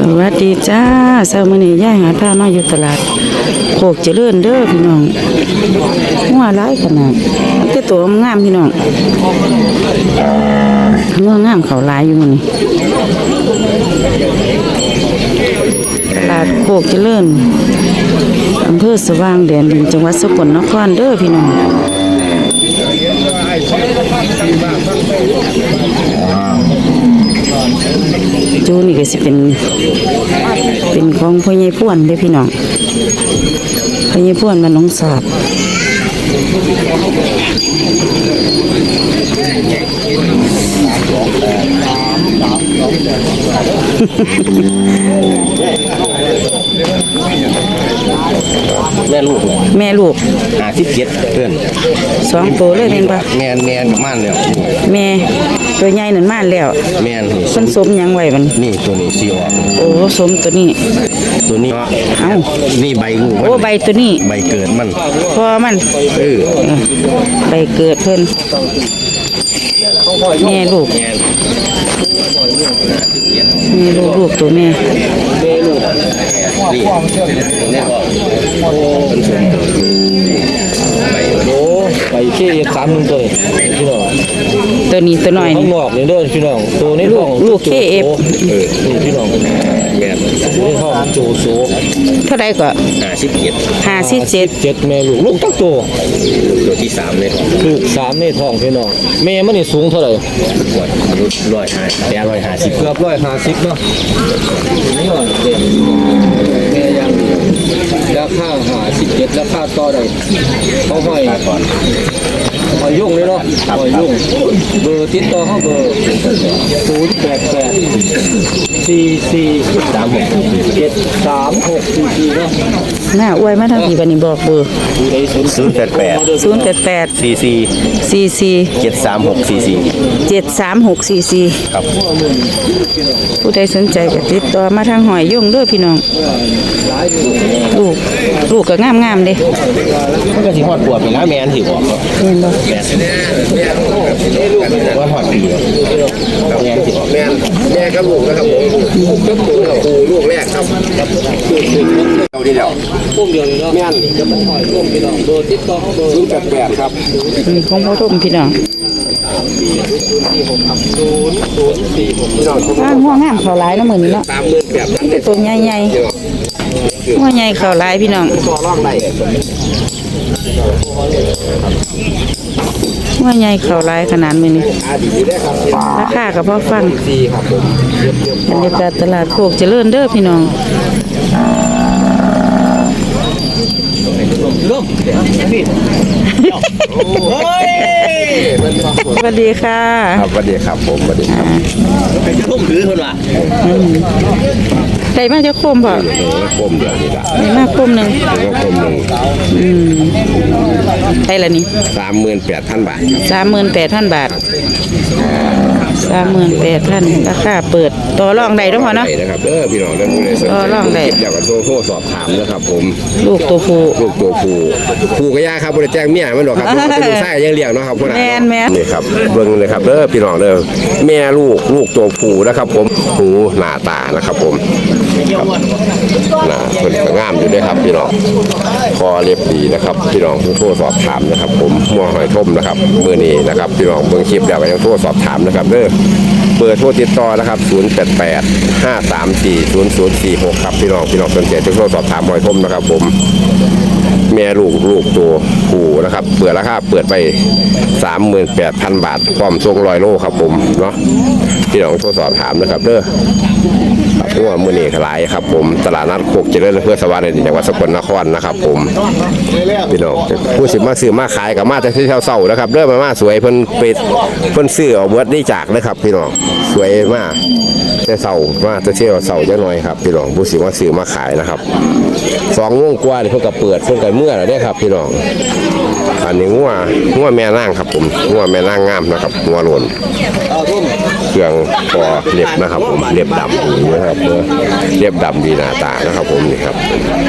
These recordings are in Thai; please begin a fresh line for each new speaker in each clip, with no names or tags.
วัสดีจ้าเช้ามื้อนี้ย่ายหาผ้ามาอยู่ตลาดโคกเจริญเด้อพี่น้องหัวหลายขนาดแต่ตัวงามพี่น้องหัวงามเขาหลายอยู่มื้อนี้ตลาดโคกเจริญอำเภอสว่างแดนดินจังหวัดสกลนครเด้อพี่น้องจูนี่ก็สิเป็นของพ่อใหญ่พ่วนเด้อพี่น้องพ่อใหญ่พ่วนมันน้องสาบ
แม่ลูก57เพื่อน
2ตัวเลยเป็นปะ
แม่กับม่านแล้ว
แม่ตัวใหญ่นั่นมาแล้ว
แม่นี่
มันสมยังไว้มัน
นี่ตัวนี้สิออก
โอ้สมตัวนี้เอ้า
นี่ใบงู
โอ้ใบตัวนี้
ใบเกิดมัน
พอมันใบเกิดเพิ่นแม่ลูกตัวแม่
นี่
ไปเชี่ย31ตัวพี่น้อง
ตัวนี้ตัวน้อย
นี่บอกเลยเด้อพี่น้องตัวนี้
ลูกเคเอฟ
นี่พี่น้องแม่ตัวนี้ห้องโจโซ
เท่าไรก็57
แม่ลูกตั้งตัว
ที่3เลย
ลูก3ในท้องพี่น้องแม่มันนี่สูงเท่าไหร่
150
เกือบ150เนาะนี่ว่าเด็กแม่ยังราคา57ราคาต่อได้เขาให้หอยยุ่งเลยเนาะหอยยุ่งเบอร์ติดต่อเขาเบอร์08844367364เนาะ
หน้าอวยมาทางพี่บัดนี้บอกเบอร์
088
44
73644ครับ
ผู้ใดสนใจก็ติดต่อมาทางหอยยุ่งเด้อพี่น้องลูกก็งามเด้
มันก็สิฮอดปวดไปแล้วแม่นสิบอก
เห็นบ่
ว่าฮอดปีแม่นสิบอกแม่กับลูกนะครับผมลูกแรกครับเอาดีแล้ว
พุ่มเดียวเนาะ
แม่น
จะมันหอยร่วมพี่น้องเบอร์ติดต่อเบอร์
088ครับ
ของพ่อทุ่มพี่น้องหัวงามเขาหลายเนาะมื้อนี้เนาะตัวใหญ่ๆหัวใหญ่เขาหลายพี่น้องหัวใหญ่เขาหลายขนาดมื้อนี้ราคาก็พอฟังบรรยากาศตลาดโคกเจริญเด้อพี่น้องสวัสดีค่ะ
ครับสวัสดีครับผมสวัสดีครับไปจะร่มถือคนละ
ได้มาจะโคมบ่
โคมเดียวนี่ละ
ได้มาโคมหนึ่งได้ละนี่
38,000 บาท
38,000 บาท38,000ราคาเปิดต่อรองได้ด้วยพอเนาะ
นะครับพี่น้องได้
ต่อรองได้
เดี๋ยวก็โทรสอบถามนะครับผม
ลูกตัว
ผู้ก็ยากครับบ่ได้แจ้งเมียมันหรอกครับเป็นลูกชายยังเลี้ยงเนาะครับพ่อ
แม่
นี่ครับเบิ่งเลยครับพี่น้องแม่ลูกตัวผู้นะครับผมหูหน้าตานะครับผมหน้าเพิ่นก็งามอยู่ด้วยครับพี่น้องคอเล็บดีนะครับพี่น้องโทรสอบถามนะครับผมมัวหอยทมนะครับมื้อนี้นะครับพี่น้องเบิ่งคลิปแล้วก็ยังโทรสอบถามนะครับเบอร์โทรติดต่อนะครับ088-534-0046ครับพี่น้องสนใจโทรสอบถามหอยทมนะครับผมแม่ลูกตัวผู้นะครับเปิดราคาเปิดไป 38,000 บาทพร้อมส่ง100 โลครับผมเนาะพี่น้องโทรสอบถามนะครับหัวมื้อนี้ขายครับผมตลาดนัดโคกเจริญอำเภอสว่างแดนดินจังหวัดสกลนครนะครับผมพี่น้องผู้สิมาซื้อมาขายกับมาแต่ที่เช้าๆนะครับมาสวยเพิ่นซื้อเอาเบิดได้จากนะครับพี่น้องสวยมากแต่เช้ามาแต่เช้าจังหน่อยครับพี่น้องผู้สิมาซื้อมาขายนะครับ2 โมงกว่าเพิ่นก็เปิดเพิ่นก็เมื่อแล้วเด้ครับพี่น้องอันนี้งัวแม่นางครับผมงัวแม่นางงามนะครับงัวโลนเครื่องคอเล็บนะครับผมเล็บดำนะครับเล็บดำดีหน้าตานะครับผมนี่ครับ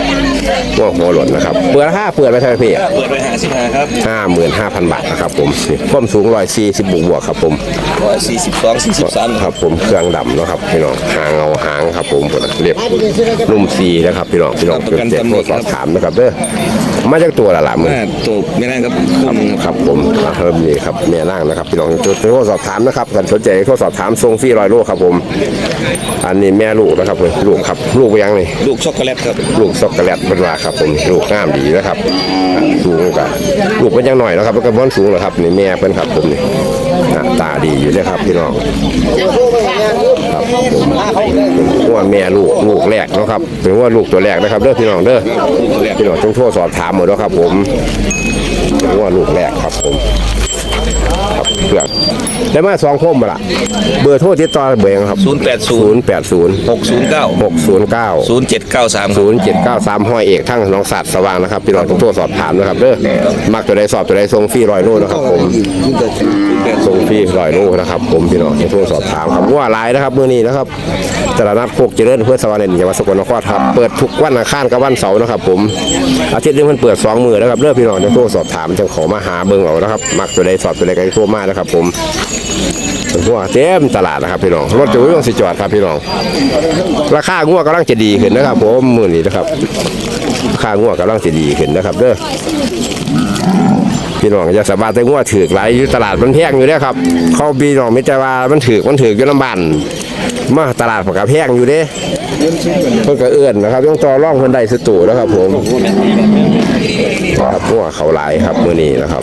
ว่าหัวหล่นนะครับเปิดราคาเปิดไปเท่าไหร่พี่
เปิดไป55ครับ
55,000 บาทนะครับผมนี่ความสูง140บวกๆครับผม
42 43
ครับผมเครื่องดำเนาะครับพี่น้องหางเอาหางครับผมเรียบนุ่มซีนะครับพี่น้องเกิดเจ็บโทรสอบถามนะครับเด้อมาจากตัวละมือ
ตัวไม่ได้ครับ
ครับผมเริ่มนี่ครับแม่นั่งนะครับพี่น้องโทรสอบถามนะครับกันสนใจโทรสอบถามทรงฟรี100 โลครับผมอันนี้แม่ลูกนะครับลูกครับลูกไปยังนี่
ลูกช็อกโกแลตครับ
ลูกช็อกโกแลตเป็นว่าครับผมลูกงามดีนะครับสูงกับลูกเป็นยังหน่อยนะครับแล้วก็บ้อนสูงเหรอครับนี่แม่เป็นครับผมนี่หน้าตาดีอยู่เลยครับพี่น้องครับผมว่าแม่ลูกแรกนะครับเป็นว่าลูกตัวแรกนะครับเด้อพี่น้องเด้อพี่น้องต้องโทรสอบถามหมดแล้วครับผมเป็นว่าลูกแรกครับผมครับเพื่อนได้มา2 คมมาละเบอร์โทรติดต่อเบอร์ยังครับ080
609
609 0793ห้อยเอกทั้งน้องสัตว์สว่างนะครับพี่น้องต้องโทรสอบถามนะครับเด้อมักตัวใดสอบตัวใดส่งฟรี100 โลนะครับผมส่งฟรี100 โลนะครับผมพี่น้องต้องโทรสอบถามครับว่าหลายนะครับมื้อนี้นะครับตลาดนัดโคกเจริญเพื่อสว่างในจังหวัดสกลนครครับเปิดทุกวันอังคารกับวันเสาร์นะครับผมอาทิตย์นึงมันเปิด2 มื้อนะครับเด้อพี่น้องต้องโทรสอบถามจังขอมาหาเบิ่งเอานะครับมักตัวใดสอบตัวใดก็โทรมานะครับผมหัวเต็มตลาดนะครับพี่น้องรถจะวิ่งสิจอดครับพี่น้องราคางัวกำลังจะดีขึ้นนะครับผมมื้อนี้นะครับราคางัวกำลังจะดีขึ้นนะครับเด้อพี่น้องอย่าสบายแต่งัวถือหลายอยู่ตลาดมันแพงอยู่เด้อครับเขาพี่น้องไม่ใจว่ามันถืออยู่น้ำบ้านมาตลาดมันก็แพงอยู่เด้เพิ่นก็เอื้อนนะครับต้องต่อร่องเพิ่นได้สตูนะครับผมครับงัวเขาหลายครับมื้อนี้นะครับ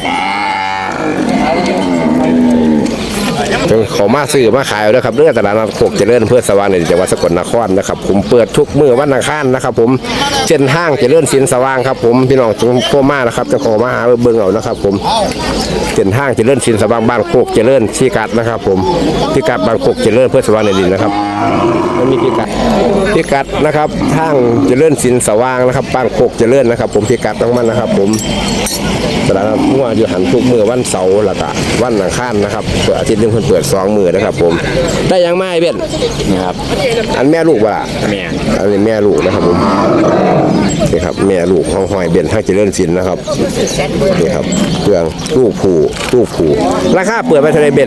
จงขอมาซื้อมาขายด้วยครับเรื่องตลาดนัดโคกเจริญเพื่อสว่างในจังหวัดสกลนครนะครับผมเปิดทุกมื้อวันอังคารนะครับผมเช่นห้างเจริญสินสว่างครับผมพี่น้องจงโทรมานะครับจะขอมาหาเบิ่งเอานะครับผมเช่นห้างเจริญสินสว่างบ้านโคกเจริญพิกัดนะครับผมพิกัดบ้านโคกเจริญเพื่อสว่างในดินนะครับมันมีพิกัดนะครับห้างเจริญสินสว่างนะครับบ้านโคกเจริญนะครับผมพิกัดต้องมันนะครับผมตลาดนัดงัวอยู่หันทุกมื้อวันเสาร์แล้วก็วันอังคารนะครับเปิดอาทิตย์นึงเพิ่นเปิด2 มื้อนะครับผมได้ยังไม่เบ็ดนะครับอันแม่ลูกว่าแม่อันนี้แม่ลูกนะครับผมนี่ครับแม่ลูกของหอยเบ็ดทั้งเจริญสินนะครับนี่ครับเครื่องลูกผูราคาเปิดไปเท่าไรเบ็ด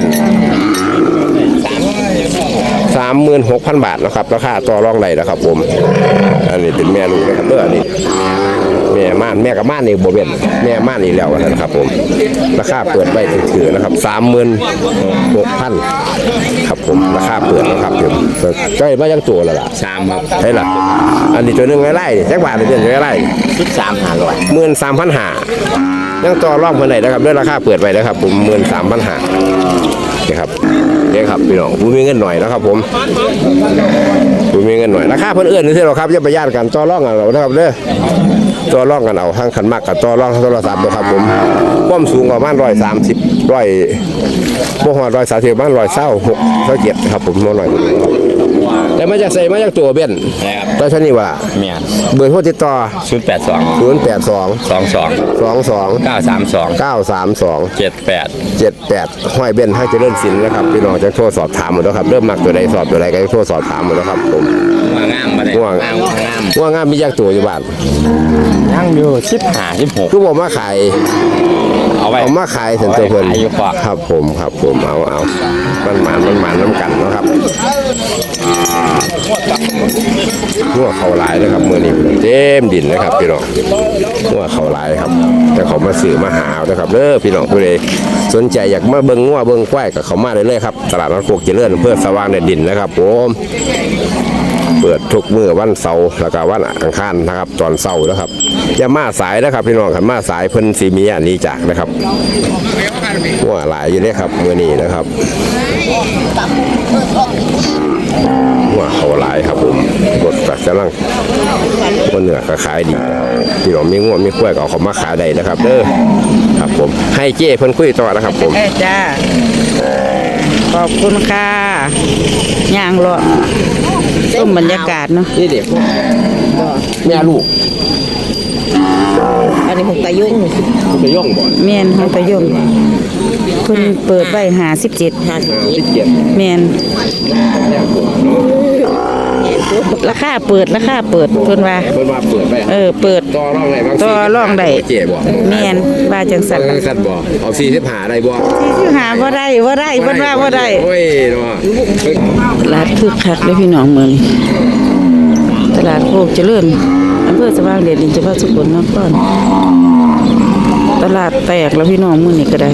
36,000 บาทนะครับราคาต่อรองได้นะครับผมอันนี้เป็นแม่ลูกนะครับเด้ออันนี้แม่ม่านแม่กับม่านนี่บ่เป็นแม่ม่านนี่แล้วนะครับผมราคาเปิดไว้ถือนะครับ36,000ครับผมราคาเปิดนะครับผมใกล้มายังตัวแล้วล่ะ3ครับใช่ล่ะอันนี้ตัวนึงไล่ๆจักบาทนี่เป็นไล่13,500 13,500ยังต่อรองเพิ่นได้นะครับด้วยราคาเปิดไว้นะครับผม13,500นี่ครับนี่ครับพี่น้องผู้มีเงินหน่อยนะครับผมผู้มีเงินหน่อยราคาเพิ่นเอื้อนนี่หรอครับอย่าไปย่านกันต่อรองกันเอานะครับเด้อต่อรองกันเอาทั้งขันมากกับต่อรองทั้งโทรศัพท์นะครับผมความสูงประมาณ130บ่ฮอด130ประมาณ126 ครับผมน้อยหน่อยแต่มาจากใส่มาจากตัวเบี้ยนตอนนี้ว่าเบอร์โทรติดต่อ082 932 78ห้อยเบี้ยนให้เจริญสินนะครับพี่น้องจะโทรสอบถามหมดแล้วครับเริ่มมักตัวใดสอบตัวใดก็โทรสอบถามหมดแล้วครับผมว่างามมีจากตัวอยู่บ้านยังอยู่15-16คือบอกมาขายเอามาขายเสร็จตัวเพิ่นครับผมเอามันหมานน้ำกันนะครับหัวเขาหลายนะครับมือนี้เต็มดินนะครับพี่น้องหัวเขาหลายครับแต่เขามาซื้อมาหานะครับเด้อพี่น้องผู้ใดสนใจอยากมาเบิ่งงัวเบิ่งควายกับเขามาได้เลยครับตลาดนัดโคกเจริญเพื่อสว่างในดินนะครับผมเปิดทุกมื้อวันเสาร์แล้วก็วันอังคารนะครับตอนเสาร์นะครับอย่ามาสายนะครับพี่น้องขันมาสายเพิ่นสีมีอันนี้จากนะครับหัวหลายอยู่เลยครับมือนี้นะครับหัวเขาหลายครับผมกดกัดกำลังว่าเนื้อก็ขายดีพี่น้องมีงัวมีกล้วยก็เอาเขามาขายได้นะครับเด้อครับผมให้เจ้เพิ่นคุยต่อนะครับผม
จ้าขอบคุณค่ะย่างรอต้มบรรยากาศเนาะ
นี่เด็กแม่ลูก
อันนี้ของตายุ่ง
บ่
แม่นของตายุ่งเพิ่นเปิดไว้57แม่นราคาเปิดเพิ่นว่า
เพิ่นว่าเปิดไป
เปิด
ต่อรองได้บาง
ต่อรองได้
เจ๊บ่
แม่นว่าจังซั่น
สัตว์บ่เอา45ได้บ่
ที่หาบ่ได้เพิ่นว่าบ่ได้
โอ้ยเนาะ
ตลาดคึกคักเลยพี่น้องมื้อนี้ตลาดโคกเจริญอำเภอสว่างเดชจังหวัดสกลนครตลาดแตกแล้วพี่น้องมื้อนี้ก็ได้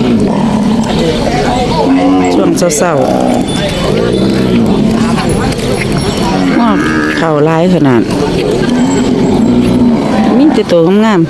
ช่วงเช้าๆว้าวข้าวหลายขนาดมีแต่ตัวงาม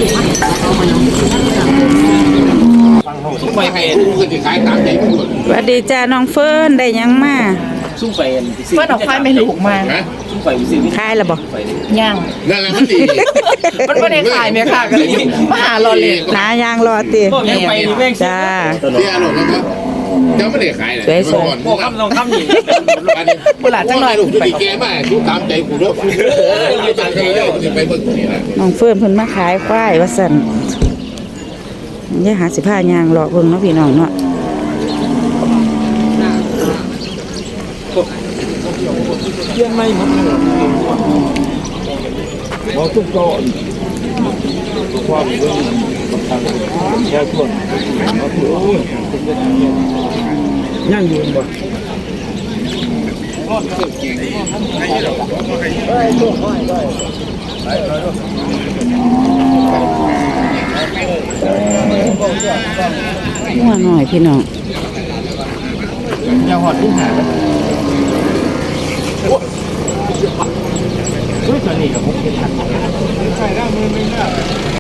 ไปไป
ๆสวัสดีจ้าน้องเฟิร์นได้หยังมา
ซุ่มไป
เพิ่นออกควายไม่ลูกมา
ซุ่มไปซื้อ
ขายแล้วบ่
ย่าง
นั่นแหละมันดี
มันไม่ได้ขายแม่ค่ะก็เลยมาหารอเลย
หายางรอติ
พวกยังไปนี่แม่ง
จ้า
เสียหรอกนะครับเจ้าไม่ได้ขายเลย
สวยๆ
พวกคำต้องคำนี่
เวลาจังหน่อย
ลูกที่แกมาทุกตามใจกูด้วยตามใจเจ้าไปเบิ่งนี่นะ
น้องเฟิร์นเพิ่นมาขายควายว่าซั่นอย่าหาสิพายางรอเบิ่งเนาะพี่น้องเนาะ
เยี่ยมไม่หมดเลยบอกทุกโต๊ะความเรื่องต่างๆแค่ทวนย่างยืนบ่
หัวหน่อยพี่น้อง
ย่างหอดที่หาโอ้ยตอนนี้กับผมเป็นทัน